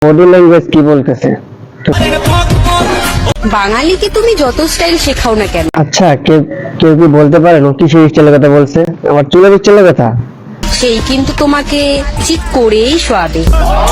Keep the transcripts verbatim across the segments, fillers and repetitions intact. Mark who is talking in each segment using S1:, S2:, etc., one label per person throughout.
S1: Body language কি বলতেছে?
S2: বাঙালিকে তুমি যত স্টাইল শেখাও না কেন,
S1: আচ্ছা কেউ কেউ কি বলতে পারেন ও কিসের স্টাইলের কথা বলছে? আমার চুলের স্টাইলের কথা?
S2: সেই কিন্তু তোমাকে চিক করেই শোয়াবে।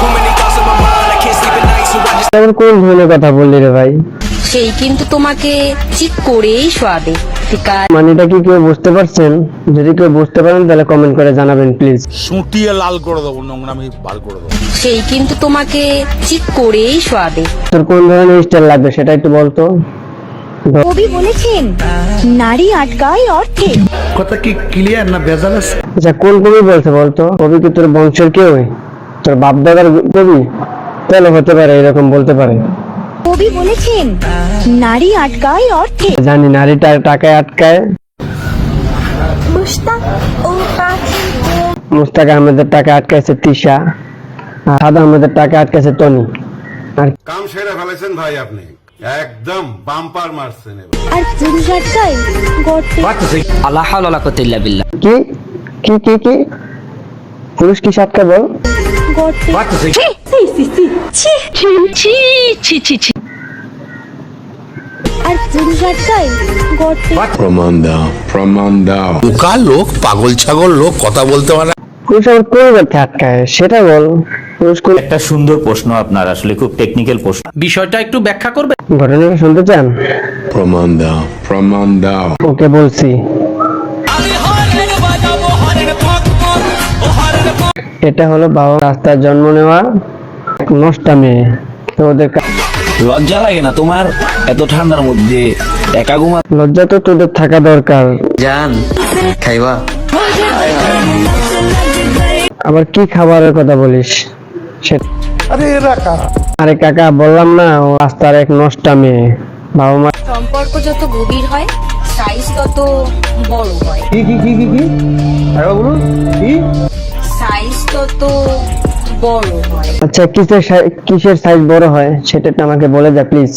S1: এমন কোন ধরনের কথা বললি রে ভাই?
S2: সেই কিন্তু তোমাকে চিক করেই শোয়াবে। ঠিক আছে,
S1: মানেটা কি কেউ বুঝতে পারছেন? যদি কেউ বুঝতে পারেন তাহলে কমেন্ট করে জানাবেন প্লিজ।
S3: সুটিয়ে লাল করে দেবো, নোংরামি বার করে দেবো।
S2: সেই কিন্তু তোমাকে চিক করেই শোয়াবে।
S1: তোর কোন ধরনের স্টাইল লাগবে সেটা একটু বলতো।
S4: কবি বলেছেন নারী আটকায় অর্থে।
S5: কথা কি ক্লিয়ার না ভেজাল আছে?
S1: আচ্ছা কোন কবি বলছে বলতো? কবি কি তোর বংশের কেউ? তোর বাপ দাদার কবি? তাহলে হতে পারে, এরকম বলতে পারে।
S4: কবি বলেছেন নারী আটকায় অর্থে।
S1: জানি নারীটা টাকায় আটকায়।
S4: মুস্তাক ও পাখি
S1: মুস্তাক আহমেদের টাকা আটকাইছে তিশা, আর সাদ আহমেদের টাকা আটকাইছে টনি। আর
S6: কাম সেরে ফেলেছেন ভাই, আপনি একদম বাম্পার মারছেন এবার।
S4: আর পুরুষ আটকায় গর্তে।
S7: আল্লাহ হাওলা ওয়ালা কুওয়াতা ইল্লা বিল্লাহ।
S1: কি কি কি কি পুরুষ কি সাতটা বল?
S4: গর্তে। আর পুরুষ আটকায় গর্তে।
S6: প্রমাণ দাও, প্রমাণ দাও।
S3: বোকা লোক, পাগল ছাগল লোক, কথা বলতে পারে না।
S1: পুরুষ আবার কোন ব্যর্থে আটকায় সেটা বল। পুরুষ কোন
S8: একটা সুন্দর প্রশ্ন আপনার, আসলে খুব টেকনিক্যাল প্রশ্ন।
S7: বিষয়টা একটু ব্যাখ্যা করবে?
S1: ঘটনাটা শুনতে চান?
S6: প্রমাণ দাও, প্রমাণ দাও।
S1: ওকে বলছি। এটা হলো বাবা রাস্তায় জন্ম নেওয়া এক নষ্টা মেয়ে। তো ওদের কা-
S7: লজ্জা লাগে না তোমার এত ঠান্ডার মধ্যে একা ঘুমা?
S1: লজ্জা তো তোদের থাকা দরকার।
S7: জান খাইবা?
S1: আবার কি খাবারের কথা বলিস? সে- আরে কাকা বললাম না, ও রাস্তার এক নষ্টা মেয়ে। বাবা মা
S2: সম্পর্ক যত গভীর হয় সাইজ তত বড় হয়।
S1: কি কি কি কি কি কি
S2: সাইজ তত বড় হয়।
S1: আচ্ছা কিসের সাই- কিসের সাইজ বড় হয় সেটা একটু আমাকে বলে যা প্লিজ।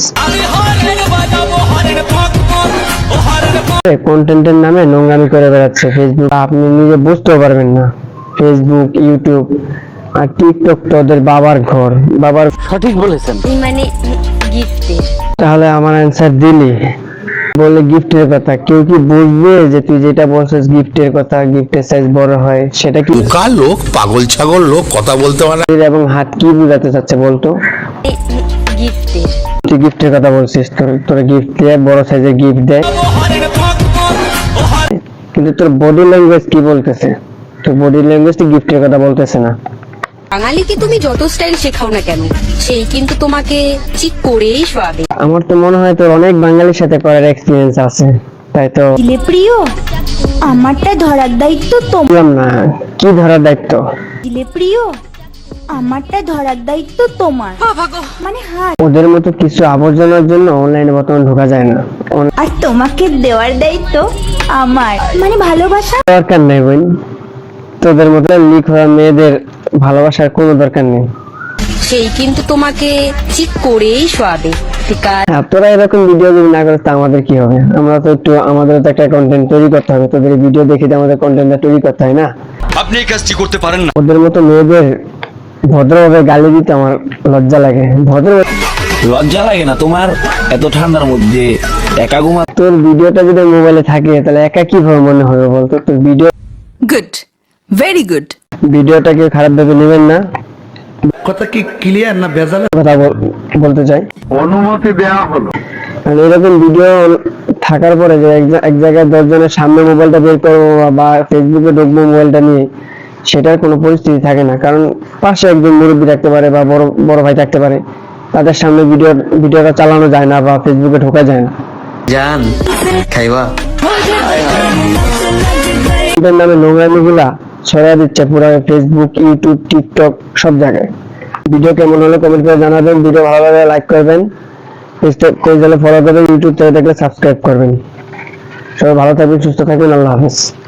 S1: কন্টেন্টের নামে নোংরামি করে বেড়াচ্ছে ফেসবুক, আপনি নিজে বুঝতেও পারবেন না। ফেসবুক, ইউটিউব আর টিকটক তো ওদের বাবার ঘর। বাবার
S7: সঠিক বলেছেন।
S2: এই মানে গিফটের।
S1: তাহলে আমার অ্যান্সার দিলি। বলে গিফটের কথা, কেউ কি বুঝবে যে তুই যেটা বলছিস গিফটের কথা, গিফটের সাইজ বড় হয় সেটা কি?
S3: বোকা লোক, পাগল ছাগল লোক, কথা বলতে পারে না।
S1: এবং হাত কি বোঝাতে চাচ্ছে বলতো?
S2: গিফটের।
S1: তুই গিফটের কথা বলছিস, তোর তোর গিফট দিয়ে বড় সাইজের গিফট দেয়, কিন্তু তোর বডি ল্যাঙ্গুয়েজ কি বলতেছে? তোর বডি ল্যাঙ্গুয়েজ তো গিফটের কথা বলতেছে না।
S2: বাঙালিকে তুমি যত স্টাইল শেখাও না কেন, সেই কিন্তু তোমাকে চিক করেই শোয়াবে।
S1: আমার তো মনে হয় তোর অনেক বাঙালির সাথে করার এক্সপিরিয়েন্স আছে, তাই তো
S4: দিলে প্রিয় আমারটা ধরার দায়িত্ব তোমার।
S1: বললাম না কি ধরার দায়িত্ব।
S4: দিলে প্রিয় আমারটা ধরার দায়িত্ব তোমার। মানে হাত।
S1: ওদের মতো কিছু আবর্জনার জন্য অনলাইনে বর্তমানে ঢোকা যায় না। অন-
S4: আর তোমাকে দেওয়ার দায়িত্ব আমার। মানে ভালোবাসা।
S1: দরকার নেই বোন, তোদের মতো লিক হওয়া মেয়েদের ভালোবাসার কোনো দরকার নেই।
S2: সেই কিন্তু তোমাকে চিক করেই শোয়াবে। ঠিক আছে,
S1: হ্যাঁ, তোরা এরকম ভিডিও যদি না করিস তা আমাদের কি হবে? আমরা তো একটু, আমাদের তো একটা কন্টেন্ট তৈরি করতে হবে। তোদের ভিডিও দেখে তো আমাদের কন্টেন্টটা তৈরি করতে হয় না?
S7: আপনি এই কাজটি করতে পারেন না।
S1: ওদের মতো মেয়েদের ভদ্রভাবে গালি দিতে আমার লজ্জা লাগে। ভদ্র
S7: লজ্জা লাগে না তোমার এত ঠান্ডার মধ্যে একা ঘুমা?
S1: তোর ভিডিওটা যদি মোবাইলে থাকে তাহলে একা কিভাবে মনে হবে বলতো? তোর ভিডিও
S2: গুড, ভেরি গুড।
S1: ভিডিওটা কেউ খারাপ ভেবে নেবেন না,
S5: কথা কি ক্লিয়ার না ভেজাল?
S1: কথা বল- বলতে চাই।
S6: অনুমতি দেওয়া হলো।
S1: আর এরকম ভিডিও থাকার পরে যে এক জা- এক জায়গায় দশ জনের সামনে মোবাইলটা বের করবো বা ফেসবুকে ঢুকবো মোবাইলটা নিয়ে, সেটার কোনো পরিস্থিতি থাকে না। কারণ পাশে একজন মুরব্বী থাকতে পারে বা বড় বড় ভাই থাকতে পারে, তাদের সামনে ভিডিও ভিডিওটা চালানো যায় না বা ফেসবুকে ঢোকা যায় না।
S7: জান খাইবা?
S1: এদের নামে নোংরামি গুলা ছড়িয়ে দিচ্ছে পুরো ফেসবুক, ইউটিউব, টিকটক সব জায়গায়। ভিডিও কেমন হলো কমেন্ট করে জানাবেন। ভিডিও ভালো লাগলে লাইক করবেন, পেজ হলে ফলো করবেন, ইউটিউব থেকে দেখলে সাবস্ক্রাইব করবেন। সবাই ভালো থাকবেন, সুস্থ থাকবেন, আল্লাহ হাফেজ।